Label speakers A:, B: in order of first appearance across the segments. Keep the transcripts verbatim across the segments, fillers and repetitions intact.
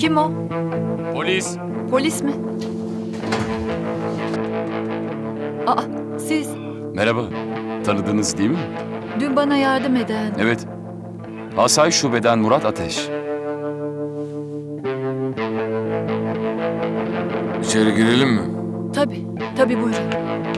A: Kim o?
B: Polis.
A: Polis mi? Aa, siz
B: Merhaba. Tanıdınız değil mi?
A: dün bana yardım eden...
B: Evet. Asayiş Şube'den Murat Ateş.
C: İçeri girelim mi?
A: Tabii, tabii buyurun.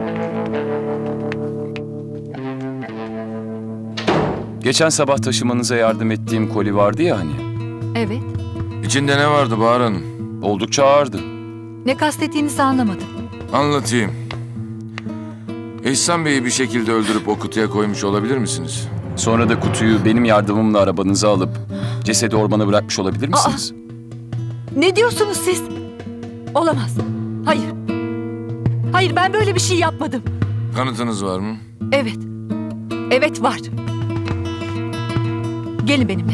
B: Geçen sabah taşımanıza yardım ettiğim koli vardı ya hani.
A: Evet.
C: İçinde ne vardı Bahar Hanım?
B: Oldukça ağırdı.
A: Ne kastettiğinizi anlamadım.
C: Anlatayım. İhsan Bey'i bir şekilde öldürüp o kutuya koymuş olabilir misiniz?
B: Sonra da kutuyu benim yardımımla arabanıza alıp cesedi ormana bırakmış olabilir misiniz?
A: Ne diyorsunuz siz? Olamaz. Hayır. Hayır, ben böyle bir şey yapmadım.
C: Kanıtınız var mı?
A: Evet. Evet, var. Gelin benimle.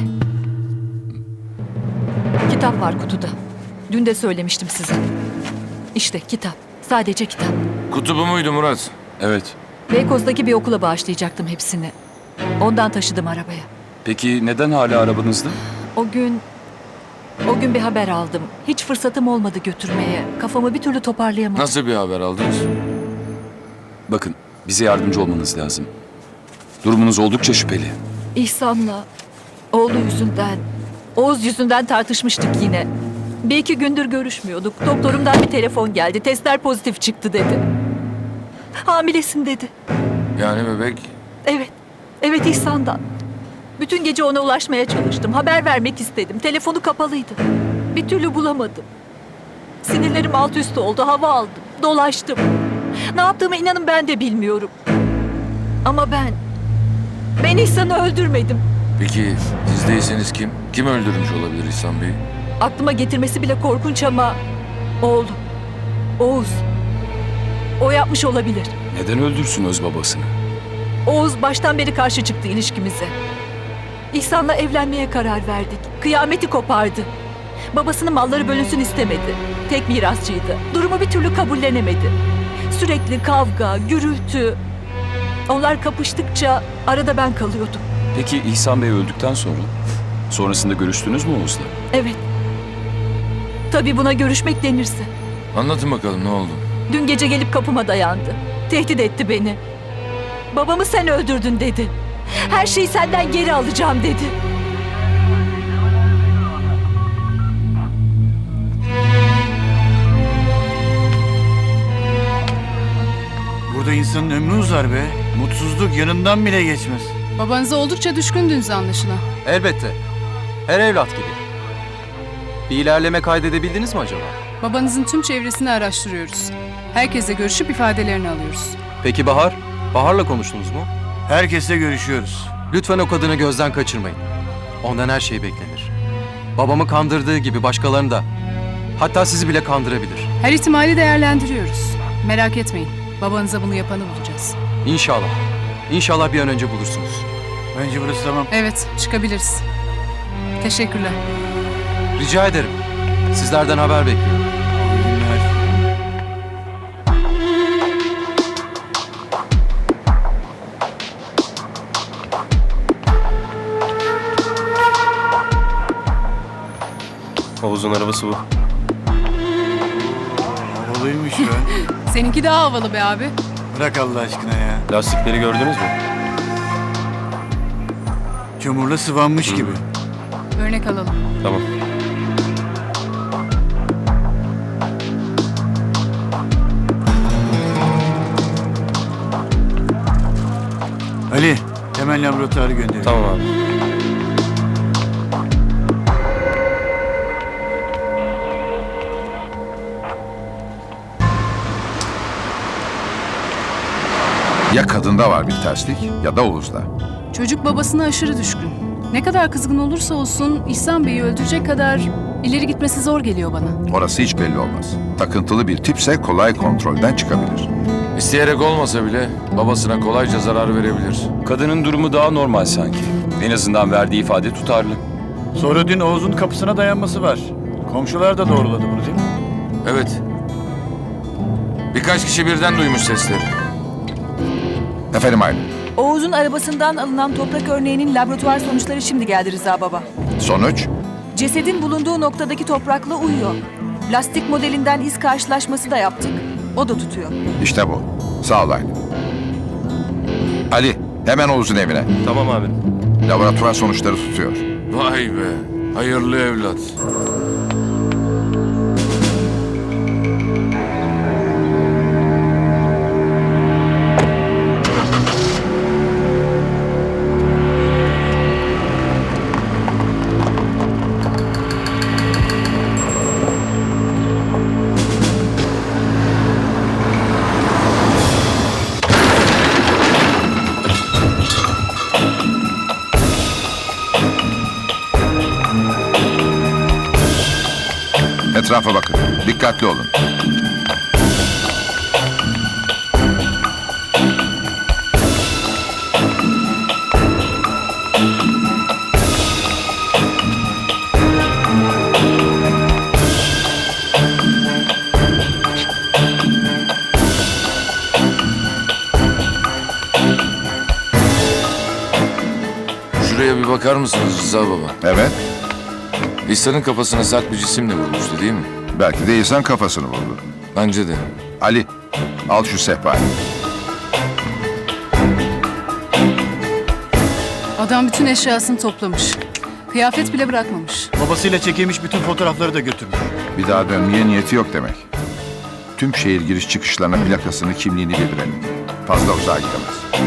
A: Kitap var kutuda. Dün de söylemiştim size. İşte kitap. Sadece kitap.
C: Kutu bu muydu Murat?
B: Evet.
A: Beykoz'daki bir okula bağışlayacaktım hepsini. Ondan taşıdım arabaya.
B: Peki neden hala arabanızda?
A: O gün... O gün bir haber aldım. Hiç fırsatım olmadı götürmeye. Kafamı bir türlü toparlayamadım.
C: Nasıl bir haber aldınız?
B: Bakın, bize yardımcı olmanız lazım. Durumunuz oldukça şüpheli.
A: İhsan'la oğlu yüzünden, Oğuz yüzünden tartışmıştık yine. Bir iki gündür görüşmüyorduk. Doktorumdan bir telefon geldi. Testler pozitif çıktı dedi. Hamilesin dedi.
C: Yani bebek
A: Evet, evet İhsan'dan. Bütün gece ona ulaşmaya çalıştım. Haber vermek istedim. Telefonu kapalıydı. Bir türlü bulamadım. Sinirlerim alt üst oldu. Hava aldım. Dolaştım. Ne yaptığımı inanın ben de bilmiyorum. Ama ben... Ben İhsan'ı öldürmedim.
C: Peki siz değilseniz kim? Kim öldürmüş olabilir İhsan Bey'i?
A: Aklıma getirmesi bile korkunç ama... Oğlum. Oğuz. O yapmış olabilir.
B: Neden öldürsün öz babasını?
A: Oğuz baştan beri karşı çıktı ilişkimize. İhsan'la evlenmeye karar verdik. Kıyameti kopardı. Babasının malları bölünsün istemedi. Tek mirasçıydı. Durumu bir türlü kabullenemedi. Sürekli kavga, gürültü. Onlar kapıştıkça arada ben kalıyordum.
B: Peki İhsan Bey öldükten sonra? Sonrasında görüştünüz mü Oğuz'la?
A: Evet. Tabii buna görüşmek denirse.
C: Anlatın bakalım ne oldu?
A: Dün gece gelip kapıma dayandı. Tehdit etti beni. Babamı sen öldürdün dedi. Her şeyi senden geri alacağım dedi.
D: Burada insanın ömrü uzar be. Mutsuzluk yanından bile geçmez.
E: Babanıza oldukça düşkündünüz anlaşılan.
F: Elbette. Her evlat gibi. Bir ilerleme kaydedebildiniz mi acaba?
E: Babanızın tüm çevresini araştırıyoruz. Herkesle görüşüp ifadelerini alıyoruz.
F: Peki Bahar? Bahar'la konuştunuz mu?
D: Herkesle görüşüyoruz.
F: Lütfen o kadını gözden kaçırmayın. Ondan her şey beklenir. Babamı kandırdığı gibi başkalarını da. Hatta sizi bile kandırabilir.
E: Her ihtimali değerlendiriyoruz. Merak etmeyin. Babanıza bunu yapanı bulacağız.
F: İnşallah. İnşallah bir an önce bulursunuz.
D: Bence burası tamam.
E: Evet, çıkabiliriz. Teşekkürler.
F: Rica ederim. Sizlerden haber bekliyorum.
D: İyi günler.
G: Oğuz'un arabası bu.
D: Havalıymış be.
E: Seninki daha havalı be abi.
D: Bırak Allah aşkına ya.
G: Lastikleri gördünüz mü?
D: Çamurla sıvanmış gibi.
E: Örnek alalım.
G: Tamam.
D: Ali, hemen laboratuvarı gönder.
G: Tamam abi.
H: Ya kadında var bir terslik ya da Oğuz'da.
E: Çocuk babasına aşırı düşkün. Ne kadar kızgın olursa olsun İhsan Bey'i öldürecek kadar ileri gitmesi zor geliyor bana.
H: Orası hiç belli olmaz. Takıntılı bir tipse kolay kontrolden çıkabilir.
C: İsteyerek olmasa bile babasına kolayca zarar verebilir.
B: Kadının durumu daha normal sanki. En azından verdiği ifade tutarlı.
D: Sonra dün Oğuz'un kapısına dayanması var. Komşular da doğruladı bunu değil mi?
C: Evet. Birkaç kişi birden duymuş sesleri.
H: Efendim Aylin,
I: Oğuz'un arabasından alınan toprak örneğinin laboratuvar sonuçları şimdi geldi Rıza Baba.
H: sonuç?
I: Cesedin bulunduğu noktadaki toprakla uyuyor. Lastik modelinden iz karşılaşması da yaptık. O da tutuyor.
H: İşte bu. Sağ ol Ali. Ali, hemen Oğuz'un evine.
G: Tamam abi.
H: Laboratuvar sonuçları tutuyor.
C: Vay be. Hayırlı evlat.
H: Etrafa bakın. Dikkatli olun.
C: Şuraya bir bakar mısınız Rıza baba?
H: Evet.
C: İhsan'ın kafasına sert bir cisimle vurmuştu değil mi?
H: Belki de insan kafasını vurdu.
C: Bence de.
H: Ali, al şu sehpayı.
E: Adam bütün eşyasını toplamış. Kıyafet bile bırakmamış.
D: Babasıyla çekilmiş bütün fotoğrafları da götürmüş.
H: Bir daha dönmeye niyeti yok demek. Tüm şehir giriş çıkışlarına plakasını, kimliğini bildirelim. Fazla uzağa gidemez.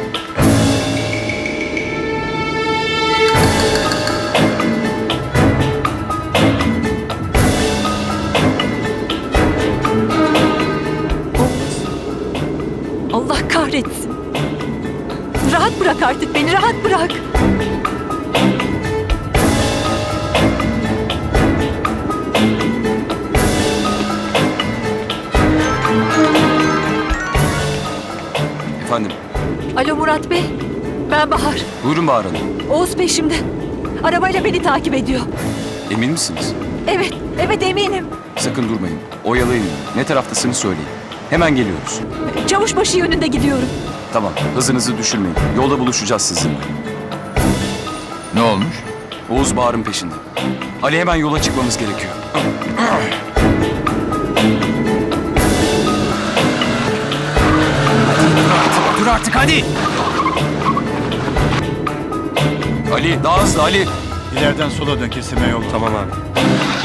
A: Allah kahretsin. Rahat bırak artık beni, rahat bırak.
B: Efendim,
A: Alo Murat Bey, ben Bahar.
B: buyurun Bahar Hanım.
A: Oğuz peşimde. Arabayla beni takip ediyor.
B: Emin misiniz?
A: Evet, evet eminim.
B: Sakın durmayın. Oyalayın. Ne taraftasınız söyleyin. Hemen geliyoruz.
A: Çavuşbaşı yönünde gidiyorum.
B: Tamam, hızınızı düşürmeyin. Yolda buluşacağız sizinle.
H: Ne olmuş?
B: Oğuz Bahar'ın peşinde. Ali hemen yola çıkmamız gerekiyor.
F: Dur artık hadi.
B: Ali, daha hızlı Ali.
D: İleriden sola dön, kesime yol.
G: Tamam abi.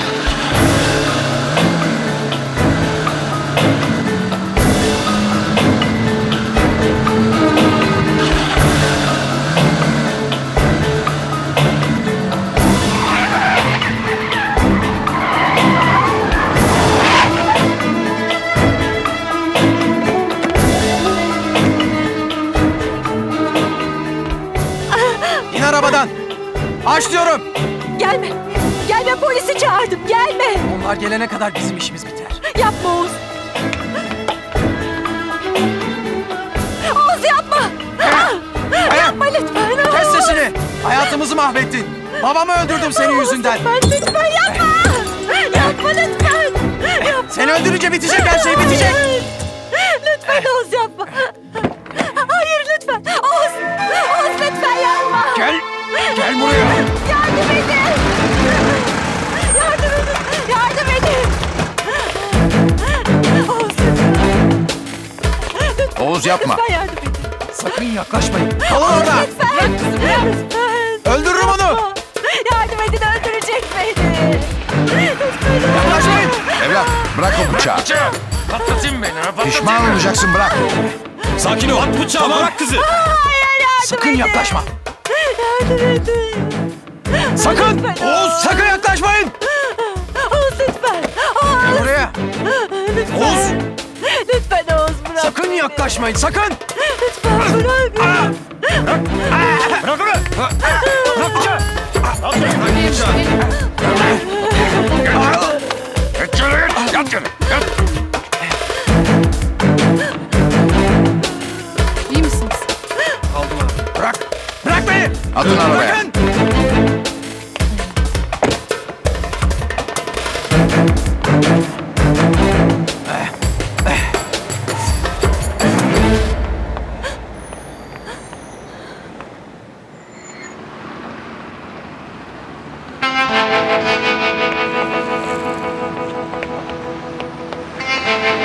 F: İn arabadan. Aç diyorum.
A: Gelme, gelme polisi çağırdım, gelme.
F: Onlar gelene kadar bizim işimiz biter.
A: Yapma Oğuz. Oğuz yapma. Yapma lütfen.
F: Kes
A: Oğuz.
F: sesini. Hayatımızı mahvettin. Babamı öldürdüm senin yüzünden.
A: Lütfen, lütfen yapma. Yapma lütfen. Yapma.
F: Seni öldürünce bitecek her şey bitecek.
A: Lütfen Oğuz yapma. Hayır lütfen. Oğuz. Oğuz lütfen yapma.
F: Gel. Gel buraya.
A: Yardım edin. Yardım edin. Yardım edin. Oğuz lütfen. Lütfen.
H: Oğuz yapma.
A: Lütfen yardım edin.
F: Sakın yaklaşmayın. Kalın orada.
A: Lütfen. Lütfen.
F: Öldürürüm onu.
A: Yardım edin, öldürecek beni. Lütfen.
F: Yaklaşmayın.
H: Evlat, bırak o bıçağı.
C: Patlatın beni. ha, patlatın
H: Pişman
C: beni.
H: olacaksın, bırak.
G: Sakin ol. At bıçağı. Bırak kızı.
F: Sakın yaklaşma.
A: Yardım edin.
F: Sakın.
A: Lütfen.
F: Oğuz sakın yaklaşmayın.
A: Oğuz lütfen. Oğuz.
F: Gel buraya.
A: Lütfen.
F: Oğuz.
A: Lütfen Oğuz bırak.
F: Sakın yaklaşmayın. Sakın.
A: Lütfen bırak.
G: Bırak onu. Bırak bıçağı.
C: Geç şöyle geç. Yat şöyle. Yat.
E: İyi misiniz?
F: Bırak. Bırak beni.
H: Atın arabaya.
F: Bırakın.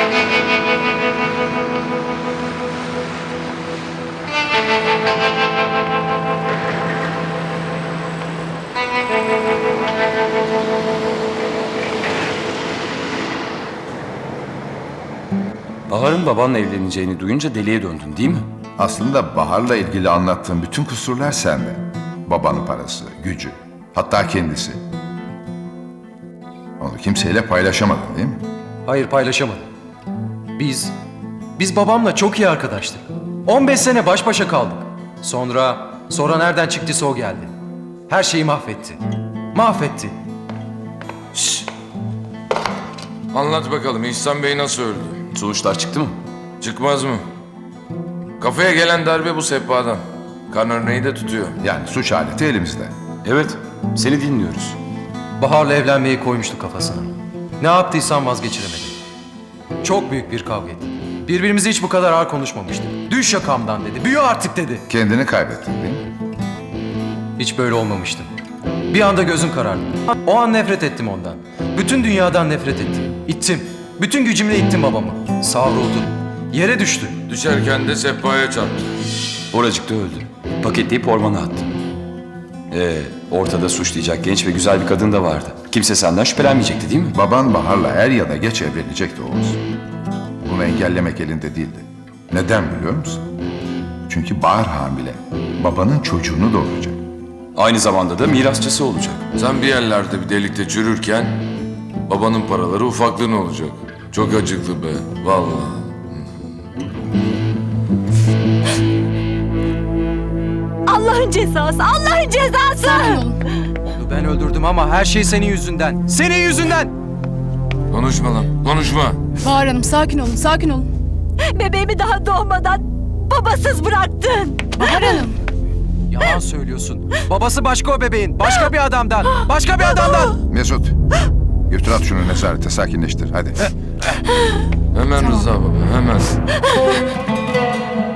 B: Bahar'ın babanla evleneceğini duyunca deliye döndün değil mi?
H: Aslında Bahar'la ilgili anlattığım bütün kusurlar sende. Babanın parası, gücü, hatta kendisi. Onu kimseyle paylaşamadın değil mi?
F: Hayır, paylaşamadım. Biz, biz babamla çok iyi arkadaştık. on beş sene baş başa kaldık. Sonra, sonra nereden çıktıysa o geldi. Her şeyi mahvetti. Mahvetti.
C: Anlat bakalım İhsan Bey nasıl öldü?
B: Sonuçlar çıktı mı?
C: Çıkmaz mı? Kafaya gelen darbe bu sehpadan. Kan örneği de tutuyor.
H: Yani suç aleti elimizde.
B: Evet, seni dinliyoruz.
F: Bahar'la evlenmeyi koymuştu kafasına. Ne yaptıysam vazgeçiremedi. Çok büyük bir kavga ettik. Birbirimize hiç bu kadar ağır konuşmamıştık. Düş yakamdan dedi, büyü artık dedi.
H: Kendini kaybettin değil mi?
F: Hiç böyle olmamıştım. Bir anda gözüm karardı. O an nefret ettim ondan. Bütün dünyadan nefret ettim. İttim. Bütün gücümle ittim babamı. Savruldu. Yere düştü.
C: Düşerken de sehpaya çarptı.
B: Oracıkta öldü. Paketleyip ormana attı. Ee, ortada suçlayacak genç ve güzel bir kadın da vardı. Kimse senden şüphelenmeyecekti değil mi?
H: Baban Bahar'la er ya da geç evlenecekti Oğuz. Bunu engellemek elinde değildi. Neden biliyor musun? Çünkü Bahar hamile. Babanın çocuğunu doğuracak.
B: Aynı zamanda da mirasçısı olacak.
C: Sen bir yerlerde bir delikte çürürken babanın paraları ufaklığın olacak. Çok acıklı be vallahi.
A: Allah'ın cezası, Allah'ın cezası!
E: Sakin olun.
F: Onu ben öldürdüm ama her şey senin yüzünden. Senin yüzünden!
C: Konuşma lan konuşma.
E: Bahar Hanım sakin olun, sakin olun.
A: Bebeğimi daha doğmadan babasız bıraktın.
E: Bahar Hanım.
F: Yalan söylüyorsun. Babası başka o bebeğin. Başka bir adamdan. Başka bir adamdan.
H: Mesut, götür at şunu nezarete, sakinleştir hadi.
C: Hemen Rıza baba hemen.